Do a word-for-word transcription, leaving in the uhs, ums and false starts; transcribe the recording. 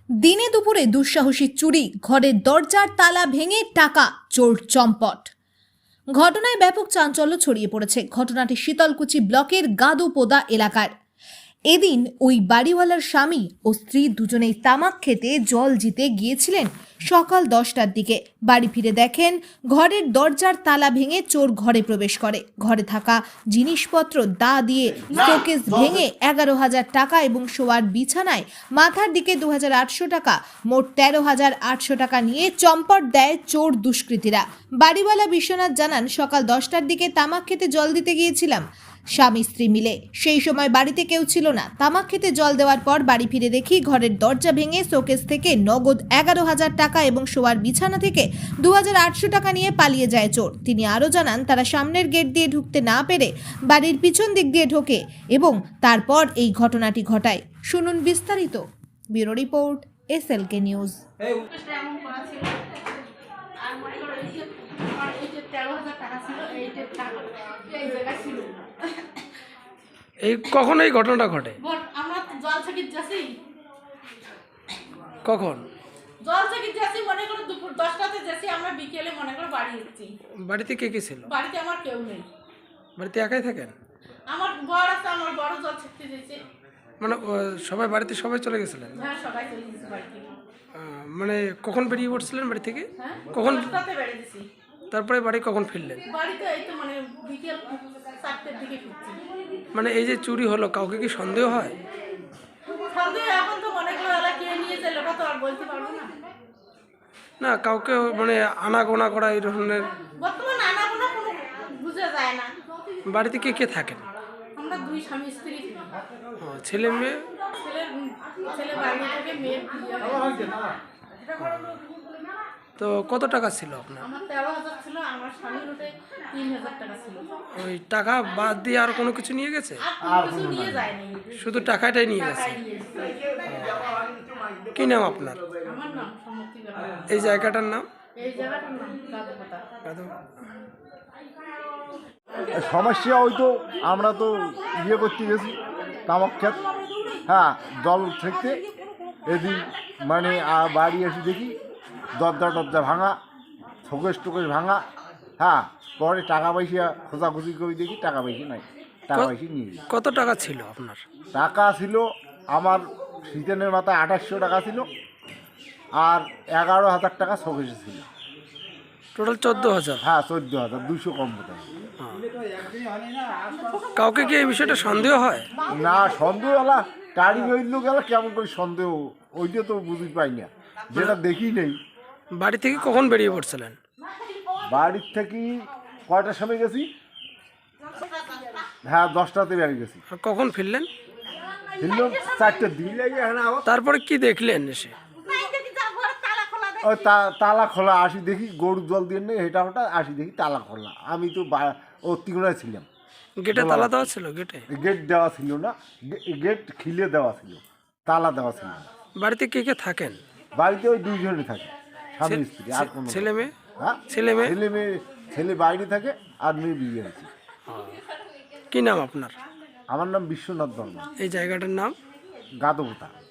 দিনে দুপুরে দুঃসাহসী চুরি, ঘরের দরজার তালা ভেঙে টাকা, চোর চম্পট। ঘটনায় ব্যাপক চাঞ্চল্য ছড়িয়ে পড়েছে ঘটনাটি শীতলকুচি ব্লকের গাদোপোদা এলাকার। এদিন ওই বাড়িওয়ালার স্বামী ও স্ত্রী দুজনেই তামাক খেতে জল জিতে গিয়েছিলেন। সকাল দশটার দিকে বাড়ি ফিরে দেখেন ঘরের দরজার তালা ভেঙে চোর ঘরে প্রবেশ করে। ঘরে থাকা জিনিসপত্র দা দিয়ে শোকেস ভেঙে এগারো হাজার টাকা এবং শোয়ার বিছানায় মাথার দিকে দু হাজার আটশো টাকা, মোট তেরো হাজার আটশো টাকা নিয়ে চম্পট দেয় চোর দুষ্কৃতীরা। বাড়িওয়ালা বিশ্বনাথ জানান, সকাল দশটার দিকে তামাক খেতে জল দিতে গিয়েছিলাম স্বামী স্ত্রী মিলে। সেই সময় বাড়িতে কেউ ছিল না। তামাক খেতে জল দেওয়ার পর বাড়ি ফিরে দেখি ঘরের দরজা ভেঙে শোকেস থেকে নগদ এগারো হাজার টাকা এবং শোয়ার বিছানা থেকে দু হাজার আটশো টাকা নিয়ে পালিয়ে যায় চোর। তিনি আরও জানান, তারা সামনের গেট দিয়ে ঢুকতে না পেরে বাড়ির পিছন দিক দিয়ে ঢোকে এবং তারপর এই ঘটনাটি ঘটায়। শুনুন বিস্তারিত। Bureau report, S L K news. এই কখন এই ঘটনাটা ঘটে? আমরা জল ছাকিত যাচ্ছি কখন? জল ছাকিত যাচ্ছি মনে করো দুপুর দশটাতে যাচ্ছি, আমরা বিকেলে মনে করো বাড়ি এসেছি। বাড়িতে কে কে ছিল? বাড়িতে আমার কেউ নেই। বাড়িতে একাই থাকেন? আমার বড় আছে, আমার বড় জল ছাকতে যাচ্ছে। মানে ও, সবাই বাড়িতে সবাই চলে গেছিলেন? হ্যাঁ, সবাই চলে গেছে বাড়ি থেকে। আহ, মানে কখন বেরিয়ে পড়ছিলেন বাড়ি থেকে? হ্যাঁ, কখন? দশটাতে বেরিয়ে গেছি। তারপরে বাড়ি কখন ফিরলেন? বাড়িতে এই তো মানে বিকেল চারটের দিকে ফিরছি। মানে এই যে চুরি হলো, কাউকে কি সন্দেহ হয়? সন্দেহ এখন তো মনে করো এলা কে নিয়েছে লোটা তো আর বলতে পারবো না। না, কাউকে মানে আনাগোনা করা এই ধরনের? বর্তমানে আনা কোনো কোনো বুঝা যায় না। বাড়িতে কে কে থাকেন? আমরা দুই স্বামী স্ত্রী। ও, ছেলে মেয়ে? ছেলের ছেলে বাইরে থেকে মেয়ের বিয়ে হয়েছে। তো কত টাকা ছিল আপনার? আমার তেরো হাজার ছিল, আমার স্বামীর ওতে তিন হাজার টাকা ছিল। ওই টাকা বাদ দিয়ে আর কোনো কিছু নিয়ে গেছে? আর কোনো কিছু নিয়ে যায়নি, শুধু টাকাটাই নিয়ে গেছে। টাকাই নিয়ে এসেছে। কি নাম আপনার? আমার নাম সম্মতি বেলা। এই জায়গাটার নাম? এই জায়গাটার নাম গাদোপোদা। সমস্যা ওই তো আমরা তো ইয়ে করতে গেছি তামাক খেত, হ্যাঁ জল থেকে এদিন মানে আ- বাড়ি এসে দেখি দরজা টরজা ভাঙা, শোকেস টোকেস ভাঙা, হ্যাঁ পরে টাকা পয়সা খোঁজাখুঁজি করে দেখি টাকা পয়সা নাই, টাকা পয়সা নিয়ে গেছি। কত টাকা ছিল আপনার? টাকা ছিল আমার সিজনের মাথায় আঠাশশো টাকা ছিল, আর এগারো হাজার টাকা শোকেসে ছিল। টোটাল চোদ্দ হাজার? হ্যাঁ চোদ্দ হাজার দুইশো কম বোধ কাউকে কি এই বিষয়টা সন্দেহ হয়? না, সন্দেহ হলা গাড়ি হইল গেল কেমন করে সন্দেহ, ওইটা তো বুঝতে পাই না, যেটা দেখি নেই। বাড়ি থেকে কখন বেরিয়ে পড়ছিলেন? বাড়ির থেকে কয়টার সময় গেছি? হ্যাঁ দশটাতে বেরিয়ে গেছি, আর কখন ফিরলেন? ফিরলাম চারটের দিন। তারপরে কি দেখলেন এসে? ওই তা- তালা খোলা, আসি দেখি গরু জল দিয়ে নেই হেঁটা ওটা, আসি দেখি তালা খোলা। আমি তো বা- ও তিগুনায় ছিলাম, গেটে তালা দেওয়া ছিল? গেটে গেট দেওয়া ছিল না, গে- গেট খিলে দেওয়া ছিল, তালা দেওয়া ছিল না। বাড়িতে কে কে থাকেন? বাড়িতে ওই দুইজনে থাকে, স্বামী স্ত্রী, আর কোনো ছেলে মেয়ে? হ্যাঁ ছেলে মেয়ে? ছেলে মেয়ে, ছেলে বাইরে থাকে আর মেয়ে বিয়ে হয়েছে। কি নাম আপনার? আমার নাম বিশ্বনাথ বর্মা, এই জায়গাটার নাম? গাদোপোদা।